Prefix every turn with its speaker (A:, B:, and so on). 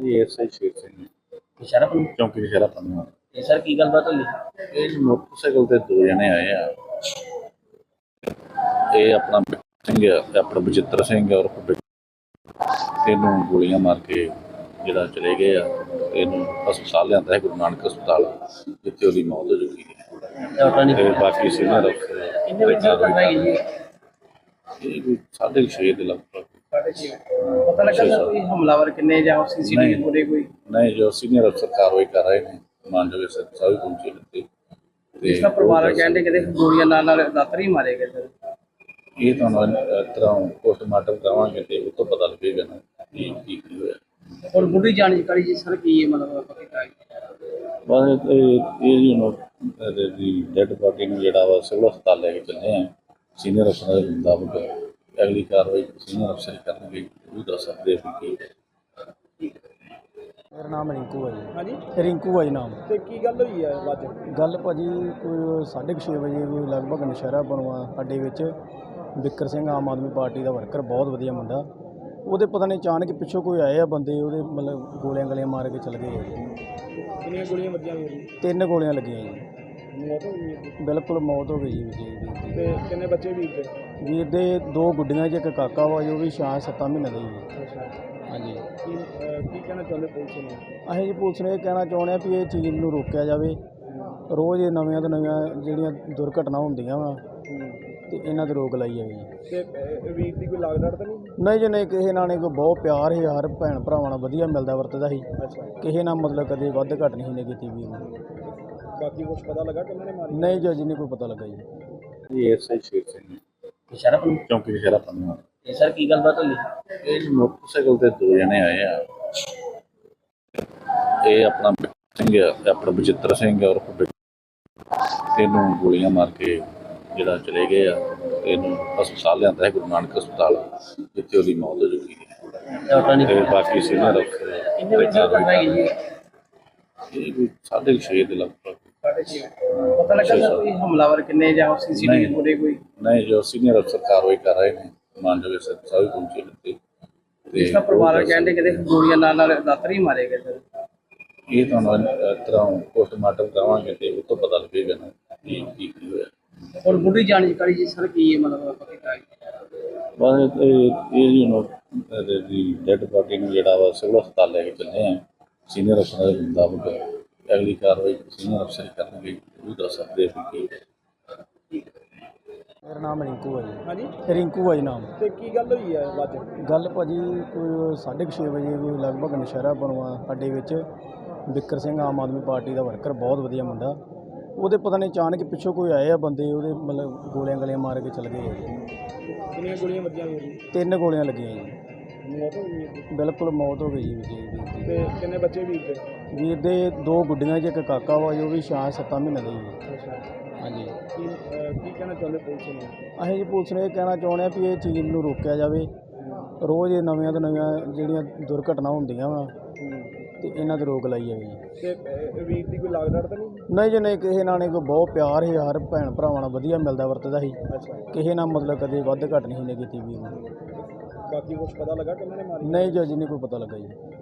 A: ये एसआई शेर सिंह
B: इशारा पर
A: चौंकी शहरा पन्ना
B: ये सर की गलबात हुई
A: ਇਹ ਮੋਟਰਸਾਈਕਲ ਤੇ ਦੋ ਜਣੇ ਆਏ ਆ। ਇਹ ਆਪਣਾ ਸਿੰਘ ਆ ਤੇ ਆਪਣਾ ਬਚਿੱਤਰ ਸਿੰਘ ਔਰ ਇਹਨੂੰ ਗੋਲੀਆਂ ਮਾਰ ਕੇ ਜਿਹੜਾ ਚਲੇ ਗਏ ਆ। ਇਹਨੂੰ ਹਸਪਤਾਲ ਲਿਆਂਦਾ ਹੈ ਗੁਰੂ ਨਾਨਕ ਹਸਪਤਾਲ, ਜਿੱਥੇ ਉਹਦੀ ਮੌਤ ਹੋ ਚੁੱਕੀ ਹੈ।
B: डॉक्टर ने
A: ਤੇ ਬਾਕੀ ਸੀਨੀਅਰ
B: कितने बजे तक लगाई गई
A: ਇਹ ਕੋਈ 6:30 ਦੇ ਲਗਭਗ।
B: पता लगा सर कोई हमलावर कितने या सीसीटीवी
A: नहीं।
B: पूरे कोई
A: नहीं, जो सीनियर अफसर कार्रवाई कर रहे हैं मानजोगे सभी पहुंचे थे।
B: इसका परिवार कहते कहते गोलियां नाल दातर ही मारे गए सर।
A: ये तो तरह पोस्टमार्टम करावांगे तो उस तो पता लगेगा ना की होया।
B: और बुढ़ी जानकारी जी सर की ये मतलब
A: बस ये जी नो डेड बॉडी ਨੂੰ ਜਿਹੜਾ ਵਾ ਸਿਵਲ ਹਸਪਤਾਲ ਲੈ ਕੇ ਚੱਲੇ ਆ। ਸੀਨੀਅਰ ਅਫਸਰ ਦੇ ਮੁਤਾਬਕ ਅਗਲੀ ਕਾਰਵਾਈ ਸੀਨੀਅਰ ਅਫਸਰ ਕਰਨਗੇ, ਉਹ ਦੱਸ ਸਕਦੇ ਆ ਕਿ
C: ਮੇਰਾ ਨਾਮ ਰਿੰਕੂ ਹੈ ਜੀ।
B: ਹਾਂਜੀ
C: ਰਿੰਕੂ ਹੈ ਜੀ ਨਾਮ।
B: ਤੇ ਕੀ ਗੱਲ ਹੋਈ ਹੈ ਅੱਜ?
C: ਗੱਲ ਭਾਜੀ ਕੋਈ 6:30 ਵਜੇ ਕੋਈ ਲਗਭਗ ਨਸ਼ਹਿਰਾ ਬਣਵਾ ਅੱਡੇ ਵਿੱਚ ਬਿੱਕਰ ਸਿੰਘ ਆਮ ਆਦਮੀ ਪਾਰਟੀ ਦਾ ਵਰਕਰ, ਬਹੁਤ ਵਧੀਆ ਮੁੰਡਾ, ਉਹਦੇ ਪਤਾ ਨਹੀਂ ਅਚਾਨਕ ਪਿੱਛੋਂ ਕੋਈ ਆਏ ਆ ਬੰਦੇ, ਉਹਦੇ ਮਤਲਬ ਗੋਲੀਆਂ ਗਲੀਆਂ ਮਾਰ ਕੇ ਚਲੇ ਗਏ ਜੀ।
B: ਕਿੰਨੀਆਂ ਗੋਲੀਆਂ ਵੱਜੀਆਂ ਹੋਈਆਂ?
C: 3 ਗੋਲੀਆਂ ਲੱਗੀਆਂ ਜੀ।
B: ਮੌਤ ਹੋ ਗਈ?
C: ਬਿਲਕੁਲ ਮੌਤ ਹੋ ਗਈ ਜੀ ਵੀਰ
B: ਤੇ ਕਿੰਨੇ ਬੱਚੇ ਵੀਰ ਦੇ?
C: ਦੀ। ਵੀਰ ਦੇ 2 ਗੁੱਡੀਆਂ 'ਚ ਇੱਕ ਕਾਕਾ ਵਾ ਜੋ ਵੀ 6-7 ਮਹੀਨੇ ਦਾ ਜੀ।
B: ਅੱਛਾ,
C: ਹਾਂਜੀ।
B: ਕੀ ਕਹਿਣਾ ਚਾਹੁੰਦੇ ਪੁਲਿਸ ਨੂੰ?
C: ਅਸੀਂ ਜੀ ਪੁਲਿਸ ਨੂੰ ਇਹ ਕਹਿਣਾ ਚਾਹੁੰਦੇ ਹਾਂ ਵੀ ਇਹ ਚੀਜ਼ ਨੂੰ ਰੋਕਿਆ ਜਾਵੇ। ਰੋਜ਼ ਇਹ ਨਵੀਆਂ ਤੋਂ ਨਵੀਆਂ ਜਿਹੜੀਆਂ ਦੁਰਘਟਨਾ ਹੁੰਦੀਆਂ ਵਾ ਤੇ ਇਹਨਾਂ 'ਤੇ ਰੋਕ ਲਾਈ ਜਾਵੇ ਜੀ।
B: ਤੇ ਵੀਰ ਦੀ ਕੋਈ ਲਾਗ ਡਾਟ ਤਾਂ ਨਹੀਂ?
C: ਨਹੀਂ ਜੀ ਨਹੀਂ, ਕਿਸੇ ਨਾਲ ਨਹੀਂ, ਕੋਈ ਬਹੁਤ ਪਿਆਰ ਸੀ, ਹਰ ਭੈਣ ਭਰਾਵਾਂ ਨਾਲ ਵਧੀਆ ਮਿਲਦਾ ਵਰਤਦਾ ਸੀ।
B: ਅੱਛਾ,
C: ਕਿਸੇ ਨਾਲ ਮਤਲਬ ਕਦੇ ਵੱਧ ਘੱਟ ਨਹੀਂ ਨੇ ਕੀਤੀ ਵੀਰ ਨੇ।
B: ਬਾਕੀ ਕੁਝ ਪਤਾ ਲੱਗਾ ਕਿੰਨਾਂ ਨੇ ਮਾਰੀ?
C: ਨਹੀਂ ਜੀ, ਅਜੇ ਨਹੀਂ ਕੋਈ ਪਤਾ ਲੱਗਾ ਜੀ।
A: ਇਹ ਐਸਆਈ ਸ਼ੇਰ ਸਿੰਘ
B: ਇਸ਼ਾਰਾ ਪਰ
A: ਚੌਂਕੀ ਸ਼ਹਿਰਾ ਪन्ना
B: ये सर की गलबात हुई
A: ਇਹ ਮੋਟਰਸਾਈਕਲ ਤੇ ਦੋ ਜਣੇ ਆਏ ਆ। ਇਹ ਆਪਣਾ ਸਿੰਘ ਆ ਤੇ ਆਪਣਾ ਬਚਿੱਤਰ ਸਿੰਘ ਔਰ ਇਹਨੂੰ ਗੋਲੀਆਂ ਮਾਰ ਕੇ ਜਿਹੜਾ ਚਲੇ ਗਏ ਆ। ਇਹਨੂੰ ਹਸਪਤਾਲ ਲਿਆਂਦਾ ਹੈ ਗੁਰੂ ਨਾਨਕ ਹਸਪਤਾਲ, ਜਿੱਥੇ ਉਹਦੀ ਮੌਤ ਹੋ ਚੁੱਕੀ ਹੈ।
B: डॉक्टर ने
A: ਤੇ ਬਾਕੀ ਸੀਨੀਅਰ
B: कितने बजे तक लगाई गई
A: ਇਹ ਕੋਈ 6:30 ਦੇ ਲਗਭਗ।
B: पता लगा सर कोई हमलावर कितने या सीसीटीवी
A: नहीं।
B: पूरे कोई
A: नहीं, जो सीनियर अफसर कार्रवाई कर रहे हैं मानजोगे सभी पहुंचे थे।
B: इसका परिवार कहते कहते गोलियां नाल दातर ही मारे गए सर।
A: ये तो तरह पोस्टमार्टम करावांगे तो उस तो पता लगेगा ना की होया।
B: और बुढ़ी जानकारी जी सर की ये मतलब
A: बस ये जी नो डेड बॉडी ਨੂੰ ਜਿਹੜਾ ਵਾ ਸਿਵਲ ਹਸਪਤਾਲ ਲੈ ਕੇ ਚੱਲੇ ਆ। ਸੀਨੀਅਰ ਅਫਸਰ ਦੇ ਮੁਤਾਬਕ ਅਗਲੀ ਕਾਰਵਾਈ ਸੀਨੀਅਰ ਅਫਸਰ ਕਰਨਗੇ, ਉਹ ਦੱਸ ਸਕਦੇ ਆ ਕਿ
C: ਮੇਰਾ ਨਾਮ ਰਿੰਕੂ ਹੈ ਜੀ।
B: ਹਾਂਜੀ
C: ਰਿੰਕੂ ਹੈ ਜੀ ਨਾਮ।
B: ਤੇ ਕੀ ਗੱਲ ਹੋਈ ਹੈ ਅੱਜ?
C: ਗੱਲ ਭਾਜੀ ਕੋਈ 6:30 ਵਜੇ ਕੋਈ ਲਗਭਗ ਨਸ਼ਹਿਰਾ ਬਣਵਾ ਅੱਡੇ ਵਿੱਚ ਬਿੱਕਰ ਸਿੰਘ ਆਮ ਆਦਮੀ ਪਾਰਟੀ ਦਾ ਵਰਕਰ, ਬਹੁਤ ਵਧੀਆ ਮੁੰਡਾ, ਉਹਦੇ ਪਤਾ ਨਹੀਂ ਅਚਾਨਕ ਪਿੱਛੋਂ ਕੋਈ ਆਏ ਆ ਬੰਦੇ, ਉਹਦੇ ਮਤਲਬ ਗੋਲੀਆਂ ਗਲੀਆਂ ਮਾਰ ਕੇ ਚਲੇ ਗਏ ਜੀ।
B: ਕਿੰਨੀਆਂ ਗੋਲੀਆਂ ਵੱਜੀਆਂ ਹੋਈਆਂ?
C: 3 ਗੋਲੀਆਂ ਲੱਗੀਆਂ ਜੀ।
B: ਮੌਤ ਹੋ ਗਈ?
C: ਬਿਲਕੁਲ ਮੌਤ ਹੋ ਗਈ ਜੀ ਵੀਰ ਦੀ।
B: ਤੇ ਕਿੰਨੇ ਬੱਚੇ ਵੀਰ ਦੇ?
C: ਵੀਰ ਦੇ 2 ਗੁੱਡੀਆਂ 'ਚ ਇੱਕ ਕਾਕਾ ਵਾ ਜੋ ਵੀ 6-7 ਮਹੀਨੇ ਦਾ ਜੀ।
B: ਅੱਛਾ,
C: ਹਾਂਜੀ।
B: ਕੀ ਕਹਿਣਾ ਚਾਹੁੰਦੇ ਪੁਲਿਸ ਨੂੰ?
C: ਅਸੀਂ ਜੀ ਪੁਲਿਸ ਨੂੰ ਇਹ ਕਹਿਣਾ ਚਾਹੁੰਦੇ ਹਾਂ ਵੀ ਇਹ ਚੀਜ਼ ਨੂੰ ਰੋਕਿਆ ਜਾਵੇ। ਰੋਜ਼ ਇਹ ਨਵੀਆਂ ਤੋਂ ਨਵੀਆਂ ਜਿਹੜੀਆਂ ਦੁਰਘਟਨਾ ਹੁੰਦੀਆਂ ਵਾ ਤੇ ਇਹਨਾਂ 'ਤੇ ਰੋਕ ਲਾਈ ਜਾਵੇ ਜੀ।
B: ਤੇ ਵੀਰ ਦੀ ਕੋਈ ਲਾਗ ਡਾਟ ਤਾਂ ਨਹੀਂ?
C: ਨਹੀਂ ਜੀ ਨਹੀਂ, ਕਿਸੇ ਨਾਲ ਨਹੀਂ, ਕੋਈ ਬਹੁਤ ਪਿਆਰ ਸੀ, ਹਰ ਭੈਣ ਭਰਾਵਾਂ ਨਾਲ ਵਧੀਆ ਮਿਲਦਾ ਵਰਤਦਾ ਸੀ।
B: ਅੱਛਾ,
C: ਕਿਸੇ ਨਾਲ ਮਤਲਬ ਕਦੇ ਵੱਧ ਘੱਟ ਨਹੀਂ ਨੇ ਕੀਤੀ ਵੀਰ ਨੇ।
B: ਬਾਕੀ ਕੁਝ ਪਤਾ ਲੱਗਾ ਕਿੰਨਾਂ ਨੇ ਮਾਰੀ?
C: ਨਹੀਂ ਜੀ, ਅਜੇ ਨਹੀਂ ਕੋਈ ਪਤਾ ਲੱਗਾ ਜੀ।